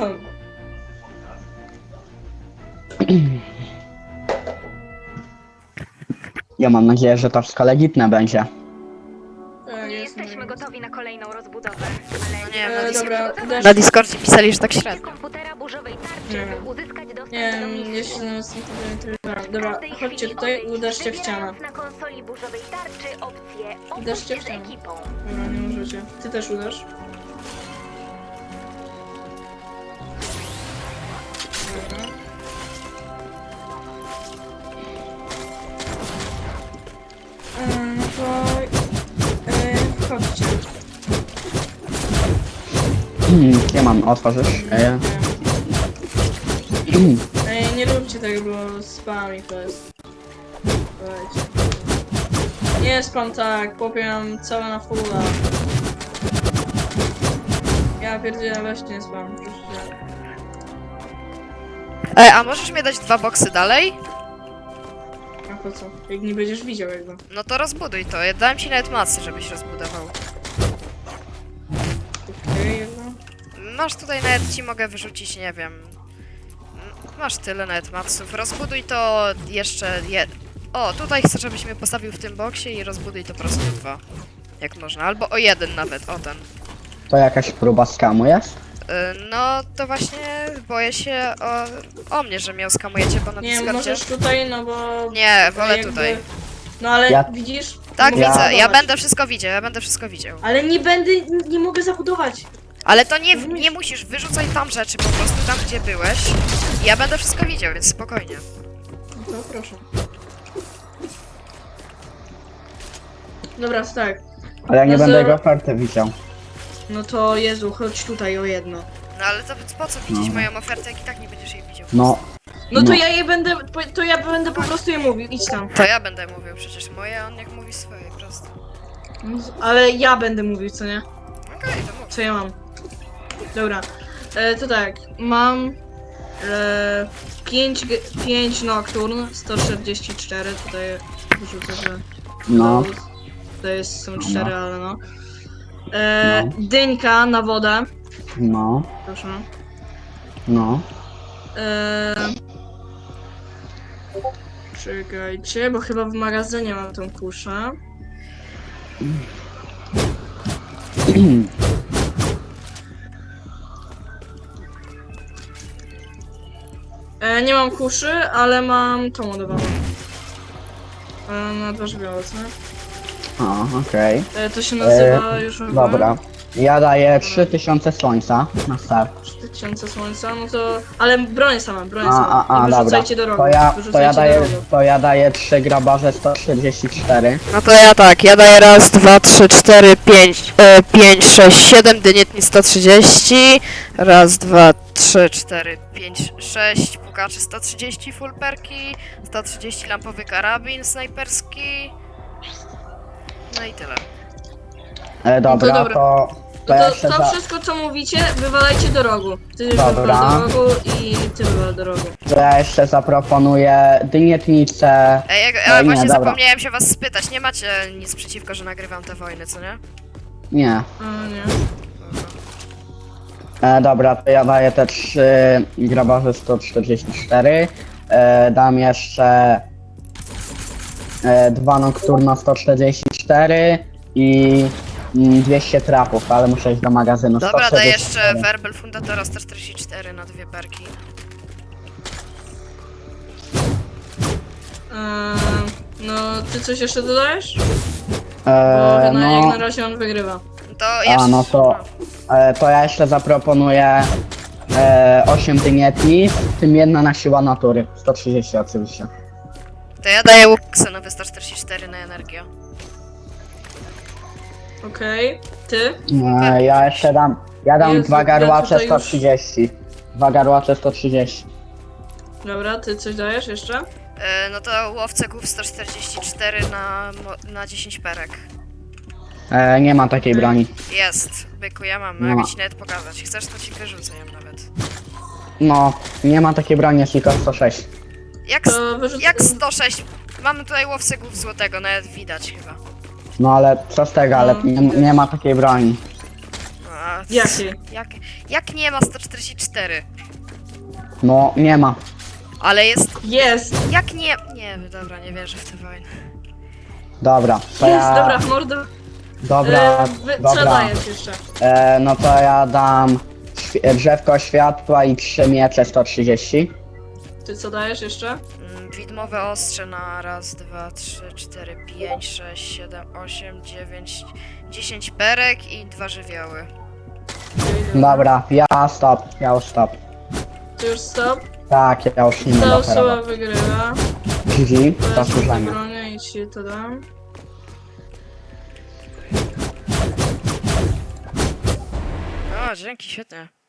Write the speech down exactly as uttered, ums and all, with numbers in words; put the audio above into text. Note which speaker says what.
Speaker 1: Ja mam nadzieję, że to wszystko legitne będzie.
Speaker 2: Tak,
Speaker 3: Nie
Speaker 2: jest
Speaker 3: jesteśmy
Speaker 2: moje.
Speaker 3: gotowi na kolejną rozbudowę,
Speaker 4: No
Speaker 3: ale
Speaker 4: nie,
Speaker 3: jeśli
Speaker 4: na,
Speaker 2: E,
Speaker 4: Dis
Speaker 2: dobra, dasz...
Speaker 4: na Discordzie pisali, że tak średnio.
Speaker 3: komputera burzowej tarczy,
Speaker 2: Nie
Speaker 3: by
Speaker 2: wiem.
Speaker 3: uzyskać dostęp
Speaker 2: Nie
Speaker 3: do
Speaker 2: wiem,
Speaker 3: misji.
Speaker 2: jeśli nas nie interesuje.
Speaker 3: W
Speaker 2: Dobra,
Speaker 3: każdej
Speaker 2: chodźcie
Speaker 3: chwili
Speaker 2: tutaj,
Speaker 3: odejdź,
Speaker 2: uderzcie w ścianę.
Speaker 3: wybierając na konsoli burzowej tarczy opcję
Speaker 2: Uderzcie w
Speaker 3: opuść z
Speaker 2: ścianę.
Speaker 3: ekipą.
Speaker 2: Dobra, nie możecie. Ty też uderz. Dobra. E, no to... E, wchodźcie.
Speaker 1: Hmm, ja mam, otworzysz? E,
Speaker 2: Ej, nie róbcie tego, bo spam to jest. Dajcie. Nie spam tak, popiam całe na fulla. Ja pierdzielę, weź nie spam, proszę cię.
Speaker 4: Ej, a możesz mi dać dwa boksy dalej?
Speaker 2: A po co? Jak nie będziesz widział jakby.
Speaker 4: No to rozbuduj to. Ja dałem ci nawet masy, żebyś rozbudował.
Speaker 2: Okej, jedno.
Speaker 4: Masz tutaj nawet ci mogę wyrzucić, nie wiem. Masz tyle nawet matsów. Rozbuduj to jeszcze jed... O, tutaj chcę, żebyś mnie postawił w tym boksie i rozbuduj to po prostu dwa. Jak można. Albo o jeden nawet, o ten.
Speaker 1: to jakaś próba skamu jest?
Speaker 4: Y, No to właśnie boję się o, o mnie, że mnie oskamujecie, bo na
Speaker 2: Nie,
Speaker 4: Discordzie...
Speaker 2: możesz tutaj, no bo...
Speaker 4: Nie, wolę
Speaker 2: jakby-
Speaker 4: tutaj.
Speaker 2: No ale
Speaker 1: Ja-
Speaker 2: widzisz?
Speaker 4: Tak,
Speaker 2: Nie mogę
Speaker 4: widzę, ja
Speaker 2: zabudować.
Speaker 4: będę wszystko widział, ja będę wszystko widział.
Speaker 2: Ale nie będę, nie mogę zabudować.
Speaker 4: Ale to nie,
Speaker 2: Rozumiesz?
Speaker 4: nie musisz, wyrzucaj tam rzeczy po prostu, tam gdzie byłeś. Ja będę wszystko widział, więc spokojnie.
Speaker 2: No to proszę. Dobra, to tak.
Speaker 1: Ale ja nie
Speaker 2: No
Speaker 1: będę
Speaker 2: za-
Speaker 1: jego oferty widział.
Speaker 2: No to Jezu, chodź tutaj o jedno.
Speaker 4: No ale to po co widzieć
Speaker 1: No.
Speaker 4: moją ofertę, jak i tak nie będziesz jej widział?
Speaker 1: No,
Speaker 2: No to
Speaker 1: No.
Speaker 2: ja je będę, po- to ja będę po prostu je mówił, idź tam.
Speaker 4: To ja będę mówił przecież moje, a on jak mówi swoje, prosto.
Speaker 2: Ale ja będę mówił, co nie?
Speaker 4: Okej, to mów.
Speaker 2: Co ja mam? Dobra, e, to tak, mam e, pięć Nocturne, sto czterdzieści cztery, tutaj wyrzucę, że
Speaker 1: no,
Speaker 2: to, to jest, są
Speaker 1: No.
Speaker 2: cztery, ale no. E,
Speaker 1: No.
Speaker 2: Dyńka na wodę,
Speaker 1: no,
Speaker 2: proszę.
Speaker 1: no.
Speaker 2: E, czekajcie, bo chyba w magazynie mam tą kuszę. E, nie mam kuszy, ale mam tą ładowaną. E, na dwa żywioły, co?
Speaker 1: O, okej.
Speaker 2: E, to się nazywa
Speaker 1: E,
Speaker 2: już chyba
Speaker 1: Dobra. Ja daję trzy tysiące słońca na start.
Speaker 2: trzy tysiące słońca, no to... Ale broń sama, broń
Speaker 1: A,
Speaker 2: sama.
Speaker 1: a, a,
Speaker 2: I
Speaker 1: dobra.
Speaker 2: wyrzucajcie do rogu.
Speaker 1: To ja, to
Speaker 2: Wyrzucajcie
Speaker 1: ja
Speaker 2: do
Speaker 1: daję,
Speaker 2: rogu.
Speaker 1: to ja daję trzy grabarze sto czterdzieści cztery.
Speaker 4: No to ja tak, ja daję raz, dwa, trzy, cztery, pięć, e, pięć, sześć, siedem, dynietni sto trzydzieści. Raz, dwa, trzy, cztery, pięć, sześć, pukaczy sto trzydzieści, full perki, sto trzydzieści lampowy karabin snajperski. No i tyle.
Speaker 1: E, dobra,
Speaker 2: dobra.
Speaker 1: to, to
Speaker 2: No
Speaker 1: ja
Speaker 2: to,
Speaker 1: jeszcze
Speaker 2: to
Speaker 1: za,
Speaker 2: wszystko co mówicie, wywalajcie do rogu. Ty
Speaker 1: Dobra.
Speaker 2: wywal do rogu i ty wywal do rogu.
Speaker 1: to ja jeszcze zaproponuję dynietnicę.
Speaker 4: Ej, ja,
Speaker 1: No
Speaker 4: ja
Speaker 1: nie,
Speaker 4: właśnie
Speaker 1: dobra.
Speaker 4: zapomniałem się was spytać, nie macie nic przeciwko, że nagrywam te wojny, co nie?
Speaker 1: Nie.
Speaker 2: A nie.
Speaker 1: E, dobra, to ja daję te trzy grabarze sto czterdzieści cztery. E, dam jeszcze e, dwa nocturna sto czterdzieści cztery i mm, dwieście trapów, ale muszę iść do magazynu.
Speaker 4: Dobra,
Speaker 1: sto
Speaker 4: daj
Speaker 1: czterdzieści cztery.
Speaker 4: jeszcze Verbal Fundatora sto czterdzieści cztery na dwie perki.
Speaker 2: Eee, no, ty coś jeszcze dodajesz? Bo
Speaker 1: E,
Speaker 2: na, jak
Speaker 1: no,
Speaker 2: na razie on wygrywa.
Speaker 4: To jeszcze...
Speaker 1: no to- e, to ja jeszcze zaproponuję e, osiem dynietni, w tym jedna na siła natury. sto trzydzieści oczywiście.
Speaker 4: To ja daję łuk ksenowy sto czterdzieści cztery na energię.
Speaker 2: Okej, ty?
Speaker 1: E, ja jeszcze dam, ja dam
Speaker 2: Jezu,
Speaker 1: dwa
Speaker 2: ja
Speaker 1: garłacze
Speaker 2: tutaj
Speaker 1: sto
Speaker 2: już-
Speaker 1: trzydzieści. Dwa garłacze sto trzydzieści.
Speaker 2: Dobra, ty coś dajesz jeszcze?
Speaker 4: E, no to łowcę głów sto czterdzieści cztery na, mo- na dziesięć perek.
Speaker 1: E, nie ma takiej broni.
Speaker 4: Jest, byku, ja mam,
Speaker 1: Nie
Speaker 4: mogę
Speaker 1: ma.
Speaker 4: ci nawet pokazać. Chcesz, to ci wyrzucę ją nawet.
Speaker 1: No, nie ma takiej broni, jest tylko sto sześć.
Speaker 4: Jak,
Speaker 2: To
Speaker 4: s-
Speaker 2: wyrzucę...
Speaker 4: jak sto sześć? Mamy tutaj łowcę głów złotego, nawet widać chyba.
Speaker 1: No ale co z tego, ale
Speaker 2: No,
Speaker 1: nie, nie ma takiej broni.
Speaker 4: No, a c-
Speaker 2: Jakiej?
Speaker 4: Jak, jak nie ma sto czterdzieści cztery?
Speaker 1: No, nie ma.
Speaker 4: Ale jest...
Speaker 2: Jest!
Speaker 4: Jak nie... Nie, dobra, nie wierzę w tę wojnę.
Speaker 1: Dobra, to
Speaker 2: Jest,
Speaker 1: ja...
Speaker 2: dobra, mordo.
Speaker 1: Dobra,
Speaker 2: E, wy, co
Speaker 1: dobra.
Speaker 2: dajesz jeszcze?
Speaker 1: E, no to ja dam świ- drzewko światła i trzy miecze sto trzydzieści.
Speaker 2: Ty co dajesz jeszcze?
Speaker 4: Mm, Widmowe ostrze na raz, dwa, trzy, cztery, pięć, sześć, siedem, osiem, dziewięć, dziesięć perek i dwa żywioły.
Speaker 1: Dobra, ja stop, ja już stop.
Speaker 2: Ty już stop.
Speaker 1: Tak, ja już nie
Speaker 2: Ta
Speaker 1: będę
Speaker 2: osoba
Speaker 1: operował.
Speaker 2: wygrywa.
Speaker 1: G G,
Speaker 2: Ja się
Speaker 1: zasłużenie.
Speaker 2: zabronię i ci to dam.
Speaker 4: O, dzięki, świetnie.